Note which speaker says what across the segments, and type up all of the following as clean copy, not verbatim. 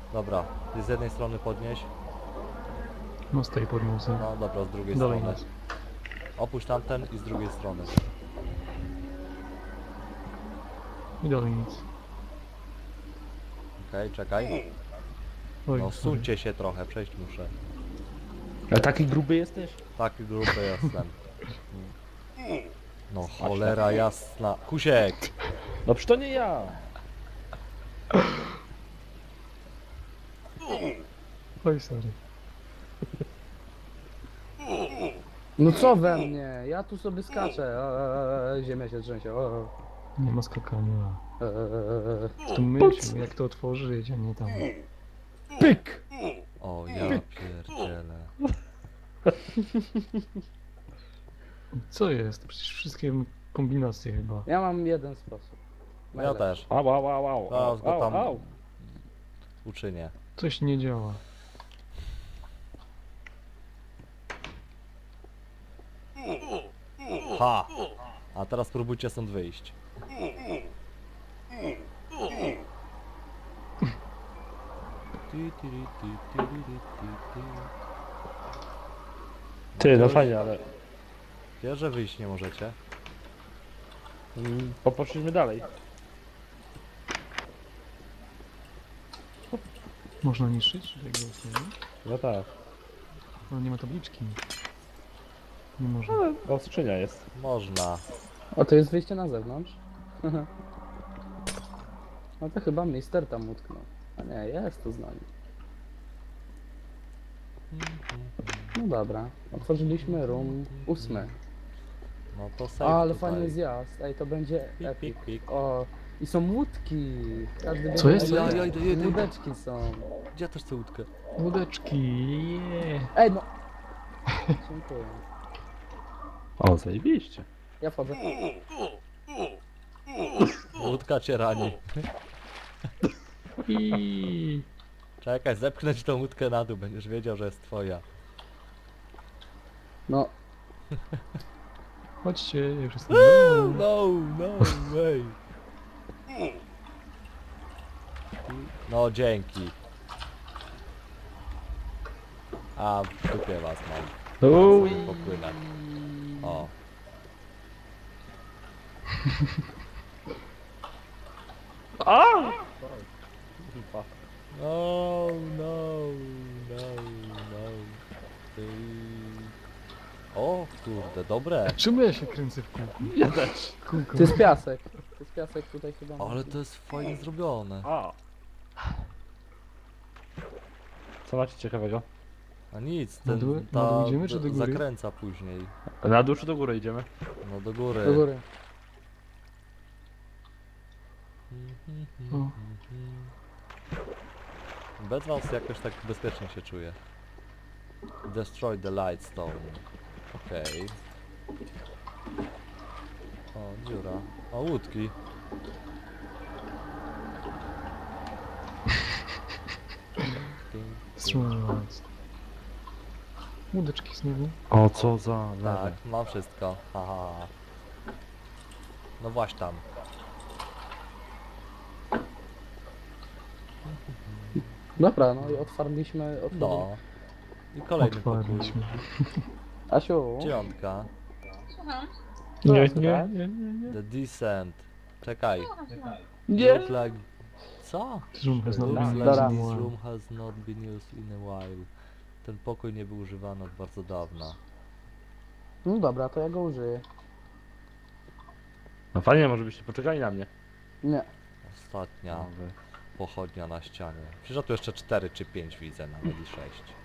Speaker 1: Dobra, ty z jednej strony podnieś.
Speaker 2: No z tej podniosę.
Speaker 1: No dobra, z drugiej
Speaker 2: Dalej
Speaker 1: strony.
Speaker 2: nic.
Speaker 1: Opuść tamten i z drugiej strony.
Speaker 2: I dalej nic.
Speaker 1: Okej, czekaj.
Speaker 2: Oj,
Speaker 1: No
Speaker 2: sorry.
Speaker 1: suńcie się trochę, przejść muszę.
Speaker 3: A taki gruby jesteś?
Speaker 1: Taki grupy jestem. No cholera jasna. Kusiek!
Speaker 3: No przecież to nie ja.
Speaker 2: Oj, sorry.
Speaker 4: No co we mnie? Ja tu sobie skaczę. Ziemia się trzęsie.
Speaker 2: Nie ma skakania. Tu myśl, jak to otworzyć, a nie tam.
Speaker 3: Pyk!
Speaker 1: O ja pierdzielę.
Speaker 2: Co jest? Przecież wszystkie kombinacje chyba.
Speaker 4: Ja mam jeden sposób.
Speaker 1: Ja też.
Speaker 3: Au, au, au, au,
Speaker 1: Zaraz go
Speaker 3: au,
Speaker 1: tam
Speaker 3: au.
Speaker 1: uczynię.
Speaker 2: Coś nie działa.
Speaker 1: Ha! A teraz spróbujcie stąd wyjść.
Speaker 3: Ty, no fajnie, ale
Speaker 1: Wiesz, że wyjść nie możecie?
Speaker 3: poszliśmy dalej.
Speaker 2: Można niszczyć tego usługi?
Speaker 3: No tak.
Speaker 2: Ale nie ma tabliczki. Nie można.
Speaker 3: O, skrzynia jest.
Speaker 1: Można.
Speaker 4: O, to jest wyjście na zewnątrz? No to chyba mister tam utknął. A nie, jest to z nami. No dobra, otworzyliśmy room 8.
Speaker 1: No to
Speaker 4: A,
Speaker 1: save
Speaker 4: ale
Speaker 1: tutaj.
Speaker 4: fajny zjazd. Ej, to będzie
Speaker 1: Pik,
Speaker 4: epic.
Speaker 1: pik, pik.
Speaker 4: O, i są łódki. Każdy
Speaker 2: Co
Speaker 4: wie,
Speaker 2: jest?
Speaker 4: że-
Speaker 1: Ja idę.
Speaker 4: Łódeczki są.
Speaker 1: Gdzie ja też chcę łódkę?
Speaker 2: Łódeczki,
Speaker 4: Ej, no. Dziękuję.
Speaker 3: O, zajebiście.
Speaker 4: Ja wchodzę.
Speaker 1: Łódka cię rani.
Speaker 2: I
Speaker 1: Czekaj, zepchnę ci tą łódkę na dół, będziesz wiedział, że jest twoja.
Speaker 4: No,
Speaker 2: chodźcie, już jestem.
Speaker 1: No way. No dzięki. A w dupie was mam.
Speaker 3: Uj.
Speaker 1: Popłynę. O.
Speaker 3: A!
Speaker 1: No. O kurde, dobre.
Speaker 2: Czemu ja się kręcę w kółku?
Speaker 3: Ja też.
Speaker 2: Kółko.
Speaker 4: to jest piasek. To jest piasek tutaj chyba.
Speaker 1: Ale to jest fajnie zrobione.
Speaker 3: A. Co macie ciekawego?
Speaker 1: A nic,
Speaker 2: Na
Speaker 1: ten,
Speaker 2: dół- na dół idziemy, czy do góry?
Speaker 1: zakręca później.
Speaker 3: Na dół czy do góry idziemy?
Speaker 1: No do góry.
Speaker 4: Do góry.
Speaker 2: O.
Speaker 1: Bez was jakoś tak bezpiecznie się czuję. Destroy the lightstone. Okej. O, dziura. O, łódki.
Speaker 2: Wstrzymając. Łódeczki znowu.
Speaker 3: O, co za
Speaker 1: Tak, mam wszystko. Haha. No właśnie tam.
Speaker 4: Dobra, no i otwarliśmy.
Speaker 1: No. I kolejny pokój.
Speaker 2: Otwarliśmy.
Speaker 4: Asiu,
Speaker 1: Dziewiątka.
Speaker 4: Co
Speaker 2: Nie,
Speaker 4: jest
Speaker 2: nie,
Speaker 4: tutaj?
Speaker 2: nie, nie, nie.
Speaker 1: The Descent. Czekaj.
Speaker 4: Nie!
Speaker 1: Look like... Co?
Speaker 2: This room has not
Speaker 1: Looks
Speaker 2: been
Speaker 1: like
Speaker 4: Dobra.
Speaker 2: used in a
Speaker 1: this
Speaker 2: while.
Speaker 1: room has not been used in a while. Ten pokój nie był używany od bardzo dawna.
Speaker 4: No dobra, to ja go użyję.
Speaker 3: No fajnie, może byście poczekali na mnie.
Speaker 4: Nie.
Speaker 1: Ostatnia pochodnia na ścianie. Przecież ja tu jeszcze 4 czy 5 widzę, nawet i 6.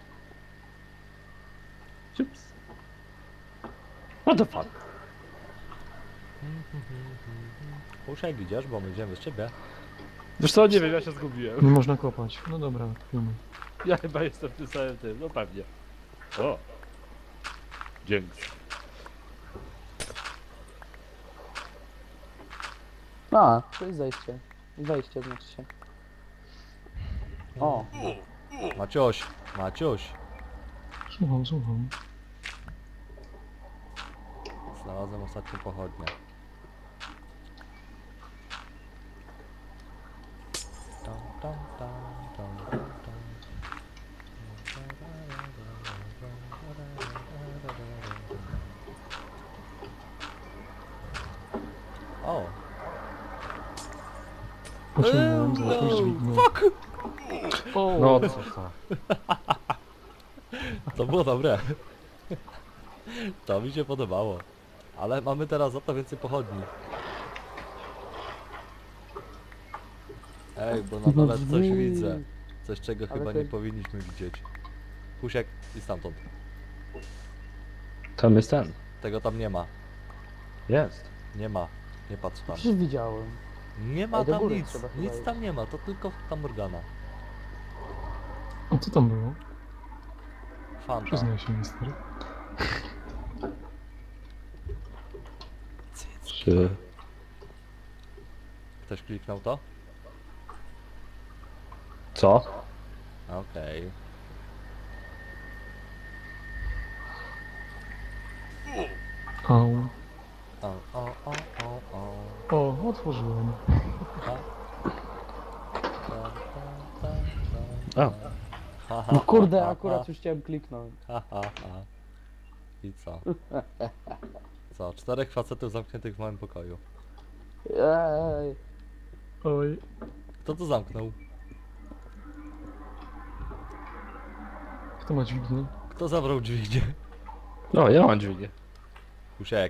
Speaker 3: Ciups. What the fuck?
Speaker 1: Uszek idziesz, bo my idziemy z ciebie.
Speaker 3: Wiesz co, nie wiem, ja się zgubiłem.
Speaker 2: Nie można kopać. No dobra, filmy.
Speaker 3: Ja chyba jestem w tym samym tym, no pewnie. O. Dzięki.
Speaker 4: A, to jest zejście. Wejście znaczy się. O,
Speaker 1: Maciuś, Maciuś.
Speaker 2: Słucham, słucham.
Speaker 1: Znalazłem ostatnią pochodnię. Tam, tam, tam, tam, tam.
Speaker 2: Pociągnąłem za jakąś dźwignię.
Speaker 1: Fuck!
Speaker 2: O,
Speaker 3: No co to?
Speaker 1: To było dobre. To mi się podobało. Ale mamy teraz za to więcej pochodni. Ej, bo na dole coś
Speaker 4: drzwi.
Speaker 1: widzę. Coś, czego
Speaker 4: Ale
Speaker 1: chyba
Speaker 4: to-
Speaker 1: nie powinniśmy widzieć. Pusiek i stamtąd.
Speaker 3: Tam jest ten.
Speaker 1: Tego tam nie ma.
Speaker 3: Jest.
Speaker 1: Nie ma. Nie patrz tam.
Speaker 4: Przecież widziałem.
Speaker 1: Nie ma
Speaker 4: Ej, do
Speaker 1: tam
Speaker 4: góry
Speaker 1: nic.
Speaker 4: trzeba chyba
Speaker 1: Nic
Speaker 4: iść.
Speaker 1: tam nie ma. To tylko ta Morgana.
Speaker 2: a co tam było?
Speaker 1: Fanta.
Speaker 2: Przyznaj się, mister.
Speaker 3: Czy...
Speaker 1: Ktoś kliknął to?
Speaker 3: Co?
Speaker 1: Okej.
Speaker 2: Au.
Speaker 1: O.
Speaker 2: O, otworzyłem.
Speaker 3: A.
Speaker 4: No kurde, akurat już chciałem kliknąć.
Speaker 1: Ha, ha, ha. I co? Co? 4 facetów zamkniętych w małym pokoju.
Speaker 4: Ej,
Speaker 2: Oj.
Speaker 1: Kto to zamknął?
Speaker 2: Kto ma dźwignię?
Speaker 1: Kto zabrał dźwignię?
Speaker 3: No, ja mam dźwignię.
Speaker 1: Kusiek.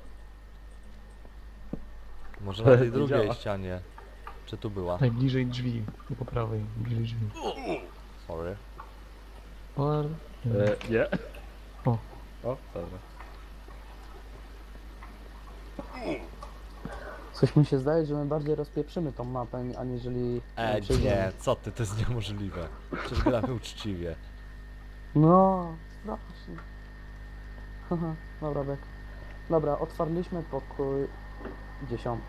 Speaker 1: Może na tej
Speaker 3: Nie
Speaker 1: drugiej
Speaker 3: działa.
Speaker 1: ścianie. Czy tu była?
Speaker 2: Najbliżej drzwi. Nie po prawej, bliżej drzwi.
Speaker 1: Sorry.
Speaker 2: Par...
Speaker 3: Nie.
Speaker 2: O.
Speaker 3: O, dobra.
Speaker 4: coś mi się zdaje, że my bardziej rozpieprzymy tą mapę, aniżeli... przejdziemy.
Speaker 1: Nie, co ty, to jest niemożliwe. Przecież gramy uczciwie.
Speaker 4: No, strasznie. Haha, dobra, Bek. Dobra, otwarliśmy pokój 10.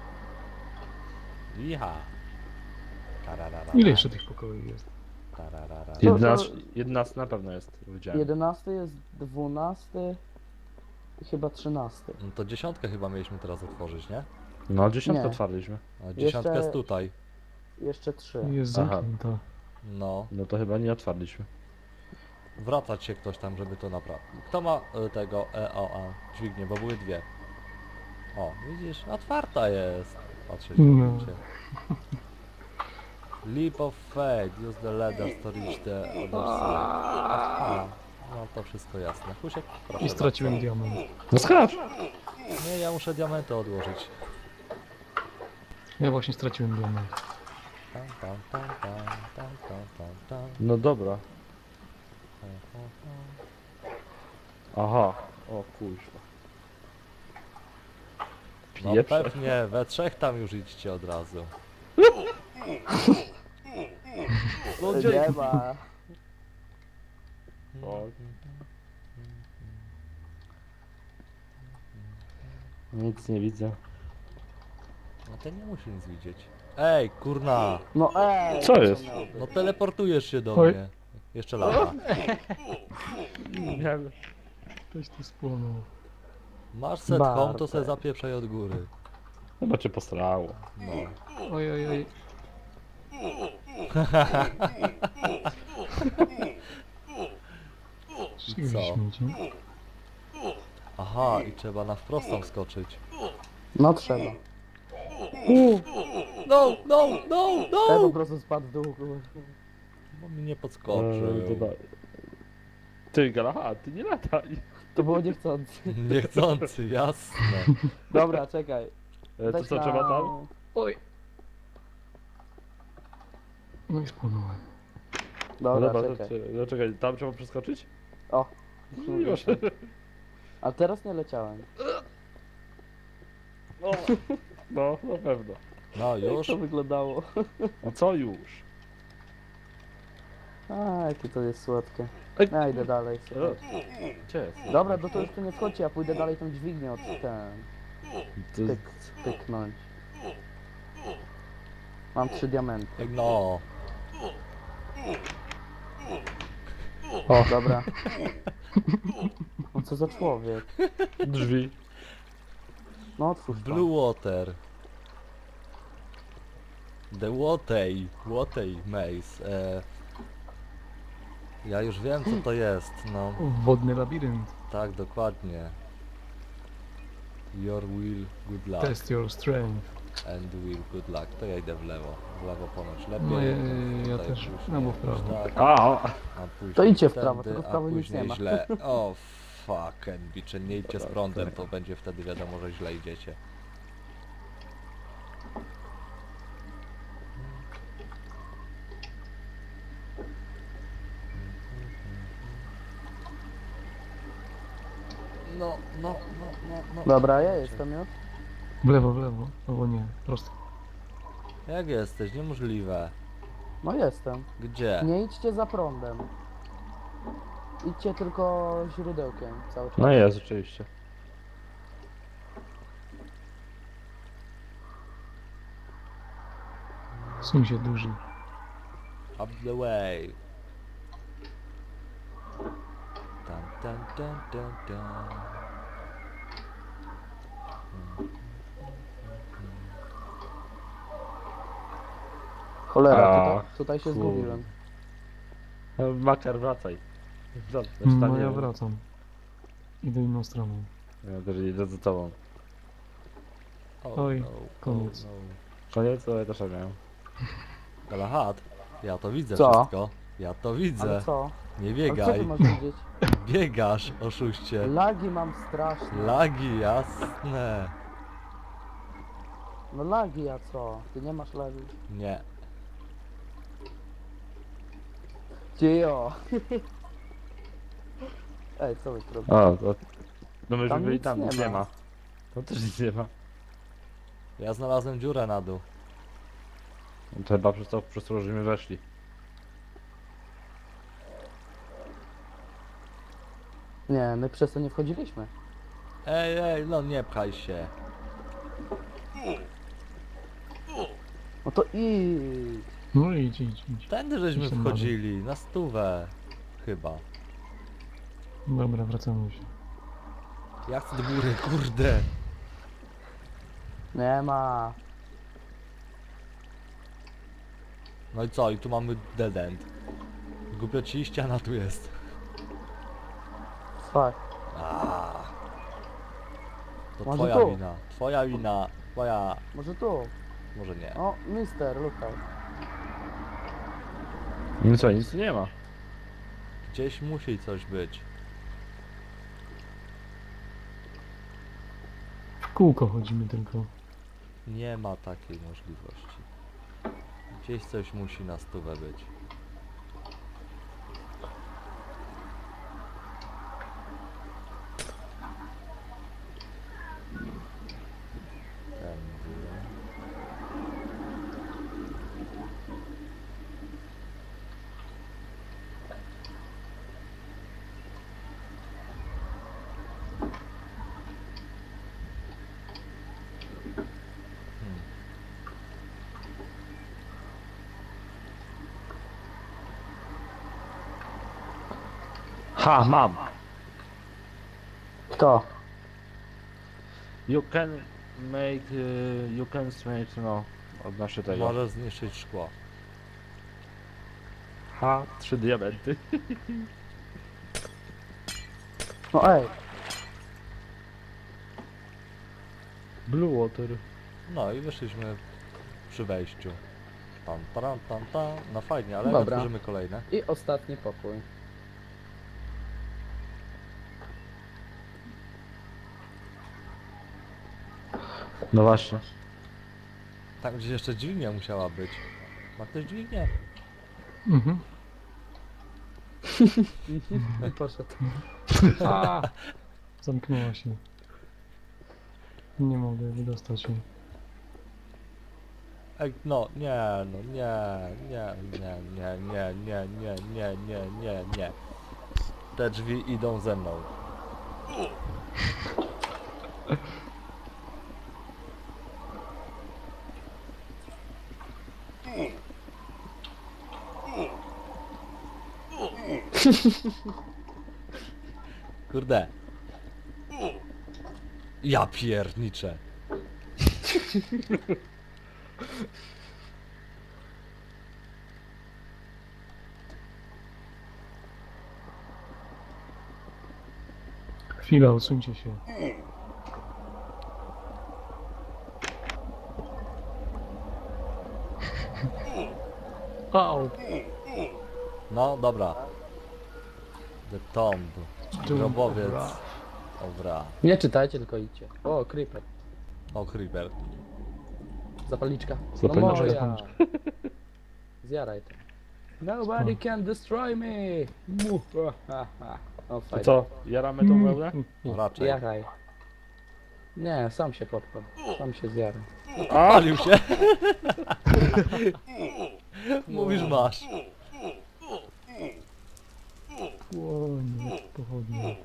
Speaker 1: Iha. Tararara.
Speaker 2: Ile jeszcze tych pokoi jest?
Speaker 1: Tararara.
Speaker 3: 11 na pewno jest. Widziałem.
Speaker 4: 11 jest 12 i chyba 13.
Speaker 1: No to 10 chyba mieliśmy teraz otworzyć, nie?
Speaker 3: No, 10
Speaker 4: Nie.
Speaker 3: otwarliśmy.
Speaker 1: A 10 jest tutaj.
Speaker 4: Jeszcze 3.
Speaker 2: Jest
Speaker 3: Aha.
Speaker 2: zamknięta.
Speaker 1: No.
Speaker 3: No to chyba nie otwarliśmy.
Speaker 1: Wracać się ktoś tam, żeby to naprawić. Kto ma tego dźwignię, bo były dwie. O, widzisz, otwarta jest. Patrzę się.
Speaker 2: No.
Speaker 1: widzicie. Leap of Fate, use the ladder to reach the other side. Aha, no to wszystko jasne. Husiek, proszę
Speaker 2: I straciłem
Speaker 1: bardzo.
Speaker 2: diament.
Speaker 3: No skacz!
Speaker 1: Nie, ja muszę diamenty odłożyć.
Speaker 2: Ja właśnie straciłem diament.
Speaker 1: Tam, tam, tam, tam, tam, tam, tam, tam.
Speaker 3: No dobra. Aha. O kuźwa.
Speaker 1: No
Speaker 3: Pieprze.
Speaker 1: pewnie, we trzech tam już idźcie od razu.
Speaker 4: Nie ma.
Speaker 3: O. Nic nie widzę.
Speaker 1: No to nie musi nic widzieć. Ej, kurna!
Speaker 4: No ej!
Speaker 3: Co jest?
Speaker 4: miało być?
Speaker 1: No teleportujesz się do
Speaker 2: Oj.
Speaker 1: mnie. Jeszcze lata.
Speaker 3: Nie.
Speaker 2: Ktoś tu spłonął.
Speaker 1: Masz set
Speaker 4: Bartek.
Speaker 1: home, to se zapieprzaj od góry.
Speaker 3: Chyba cię postrało.
Speaker 1: No.
Speaker 2: Oj, oj, oj. Szybko
Speaker 1: co?
Speaker 2: śmieci.
Speaker 1: Aha, i trzeba na wprost tam skoczyć.
Speaker 4: No trzeba.
Speaker 1: No, no, no,
Speaker 4: Ja po
Speaker 1: no!
Speaker 4: prostu spadł w dół. kurwa.
Speaker 1: Bo mi nie podskoczył.
Speaker 3: Dobra. Ty Galaha, ty nie lataj.
Speaker 4: To było niechcący.
Speaker 1: Niechcący, jasne.
Speaker 4: Dobra, czekaj.
Speaker 3: To
Speaker 4: Weź
Speaker 3: co
Speaker 4: na-
Speaker 3: trzeba tam?
Speaker 2: Oj. No i spłonąłem.
Speaker 4: Dobra,
Speaker 3: to
Speaker 4: czekaj.
Speaker 3: no czekaj, tam trzeba przeskoczyć?
Speaker 4: O.
Speaker 3: Już.
Speaker 4: A teraz nie leciałem.
Speaker 3: No, no, na pewno.
Speaker 1: No
Speaker 4: Jak
Speaker 1: już.
Speaker 4: to wyglądało?
Speaker 3: A co już?
Speaker 4: A, jakie to jest słodkie.
Speaker 3: Ej.
Speaker 4: Ja idę dalej. słuchaj.
Speaker 3: Gdzie jest?
Speaker 4: Dobra, no to już tu nie wchodźcie, ja pójdę dalej tą dźwignię od ten.
Speaker 3: To,
Speaker 4: Pyknąć. Mam 3 diamenty.
Speaker 1: No.
Speaker 4: O, dobra. No co za człowiek?
Speaker 3: drzwi.
Speaker 4: No otwórz to.
Speaker 1: Blue water. The Watay Maze. Ja już wiem co to jest, no.
Speaker 2: Wodny labirynt.
Speaker 1: Tak, dokładnie. Your will, good luck.
Speaker 2: Test your strength.
Speaker 1: And will, good luck. To ja idę w lewo. W lewo ponoć lepiej.
Speaker 2: No ja
Speaker 1: tutaj
Speaker 2: też.
Speaker 1: później
Speaker 2: No bo w prawo.
Speaker 1: tak,
Speaker 3: A,
Speaker 1: a później
Speaker 4: To idźcie w
Speaker 1: wtedy,
Speaker 4: prawo, tylko w prawo
Speaker 1: a
Speaker 4: nic
Speaker 1: później
Speaker 4: nie ma.
Speaker 1: źle. O fuck, Enbicze, nie idźcie z prądem, to będzie wtedy wiadomo, że źle idziecie. No, no, no, no, no.
Speaker 4: Dobra, ja jestem już.
Speaker 2: W lewo, albo nie, prosto.
Speaker 1: Jak jesteś? Niemożliwe.
Speaker 4: No jestem.
Speaker 1: Gdzie?
Speaker 4: Nie idźcie za prądem. Idźcie tylko źródełkiem cały czas.
Speaker 3: no jest, oczywiście.
Speaker 2: Suń się duży.
Speaker 1: Up the way. Tan, tan, tan, tan, tan.
Speaker 4: Cholera,
Speaker 3: A,
Speaker 4: tutaj się
Speaker 3: kurde.
Speaker 4: zgubiłem.
Speaker 3: Makar, wracaj.
Speaker 2: No ja wracam. Idę inną stroną.
Speaker 3: Ja też idę za tobą.
Speaker 2: Oj,
Speaker 1: no,
Speaker 2: koniec.
Speaker 1: no.
Speaker 3: Koniec, to ja też miałem.
Speaker 1: Galahad, ja to widzę
Speaker 4: Co?
Speaker 1: wszystko. Ja to widzę.
Speaker 4: Ale co?
Speaker 1: Nie
Speaker 4: Ale co ty
Speaker 1: biegaj.
Speaker 4: masz widzieć?
Speaker 1: Biegasz, oszuście.
Speaker 4: Lagi mam straszne.
Speaker 1: Lagi, jasne.
Speaker 4: No lagi, a co? Ty nie masz lagi.
Speaker 1: Nie.
Speaker 4: Cio. Ej, co wy robicie?
Speaker 3: O, to... No myśmy
Speaker 4: Tam
Speaker 3: byli
Speaker 4: nic
Speaker 3: tam,
Speaker 4: nie
Speaker 3: nic nie
Speaker 4: ma.
Speaker 3: ma. Tam też nic nie ma.
Speaker 1: Ja znalazłem dziurę na dół.
Speaker 3: To chyba przez to, żeśmy weszli.
Speaker 4: Nie, my przez to nie wchodziliśmy.
Speaker 1: Ej, no nie pchaj się.
Speaker 4: No to idź.
Speaker 2: No idź.
Speaker 1: Tędy żeśmy
Speaker 2: Jestem
Speaker 1: wchodzili, na stówę. Chyba.
Speaker 2: Dobra, wracamy się.
Speaker 1: Ja chcę do góry, kurde.
Speaker 4: Nie ma.
Speaker 1: No i co? I tu mamy dead end. Głupio ci, ściana tu jest.
Speaker 4: Fuck.
Speaker 1: To
Speaker 4: Może
Speaker 1: twoja
Speaker 4: tu?
Speaker 1: wina. Twoja wina. Twoja...
Speaker 4: Może tu?
Speaker 1: Może nie.
Speaker 4: O, mister, lukaj.
Speaker 3: No co, nic tu nie ma.
Speaker 1: Gdzieś musi coś być.
Speaker 2: W kółko chodzimy tylko.
Speaker 1: Nie ma takiej możliwości. Gdzieś coś musi na stówę być. Tędy.
Speaker 3: Ha, mam!
Speaker 4: Kto?
Speaker 3: You can make... you can make, no... Odnoszę tego.
Speaker 1: Może zniszczyć szkło.
Speaker 3: Ha, 3 diamenty.
Speaker 4: No ej.
Speaker 3: Blue water.
Speaker 1: No i wyszliśmy przy wejściu. Tam, tam, tam, tam. No fajnie, ale
Speaker 4: Dobra.
Speaker 1: otworzymy kolejne.
Speaker 4: I ostatni pokój.
Speaker 3: No właśnie.
Speaker 1: Tam gdzieś jeszcze dźwignia musiała być. Ma ktoś dźwignię?
Speaker 2: Mhm.
Speaker 4: I poszedł.
Speaker 2: Zamknęła się. Nie mogę wydostać się.
Speaker 1: Ej, no, nie, no, nie. Te drzwi idą ze mną. Kurde. Ja pierniczę.
Speaker 2: Chwila, odsuńcie się. Au.
Speaker 1: No, dobra. The Tomb. Grobowiec.
Speaker 2: Dobra.
Speaker 1: Dobra.
Speaker 4: Nie czytajcie, tylko idźcie. O, creeper.
Speaker 1: O, Creeper.
Speaker 4: Zapalniczka.
Speaker 2: Zapalniczka,
Speaker 4: No moja.
Speaker 2: zapalniczka.
Speaker 4: Zjaraj to. Nobody can destroy me. Mu. Ha, ha. O,
Speaker 3: To
Speaker 4: fajnie.
Speaker 3: co, jaramy tą wełnę?
Speaker 1: Raczej.
Speaker 4: Jaraj. Nie, sam się podpal. Sam się zjaraj.
Speaker 1: Palił się. Mówisz masz.
Speaker 2: Łonie, pochodnie.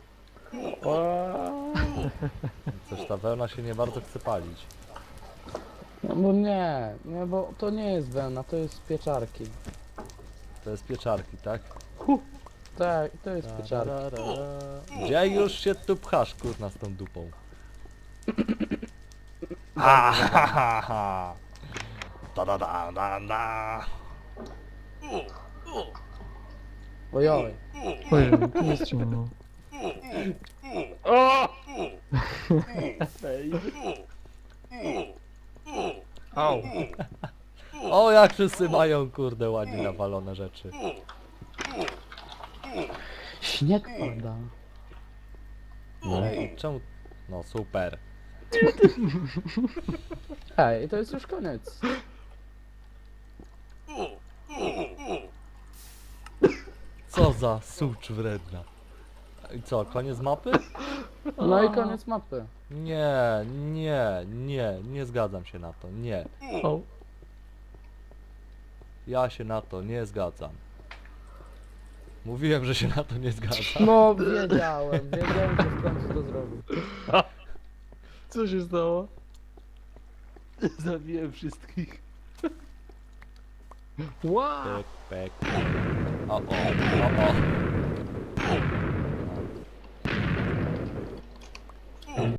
Speaker 1: Coś ta wełna się nie bardzo chce palić.
Speaker 4: No bo nie, bo to nie jest wełna, to jest z pieczarki.
Speaker 1: To jest pieczarki, tak?
Speaker 4: Tak, to jest z pieczarki.
Speaker 1: Gdzie już się tu pchasz, kurna, z tą dupą? Ha, ha, ha, ha. Da, da, da, da, da.
Speaker 4: Ojoj.
Speaker 2: Ojej, tu jest ciemno.
Speaker 3: O! Ej.
Speaker 2: Au.
Speaker 1: O, jak wszyscy mają, kurde, ładnie nawalone rzeczy.
Speaker 4: Śnieg pada.
Speaker 1: Ej, czemu? No, super.
Speaker 4: Ej, to jest już koniec.
Speaker 1: Co za sucz wredna. I co, koniec mapy?
Speaker 4: No i koniec mapy.
Speaker 1: Nie, nie, nie, nie zgadzam się na to, nie.
Speaker 2: Au.
Speaker 1: Ja się na to nie zgadzam. Mówiłem, że się na to nie zgadzam.
Speaker 4: No, wiedziałem, że w końcu to zrobił.
Speaker 2: Co się stało?
Speaker 3: Zabiłem wszystkich.
Speaker 2: Wow.
Speaker 1: Pek, pek. O, o, o, o.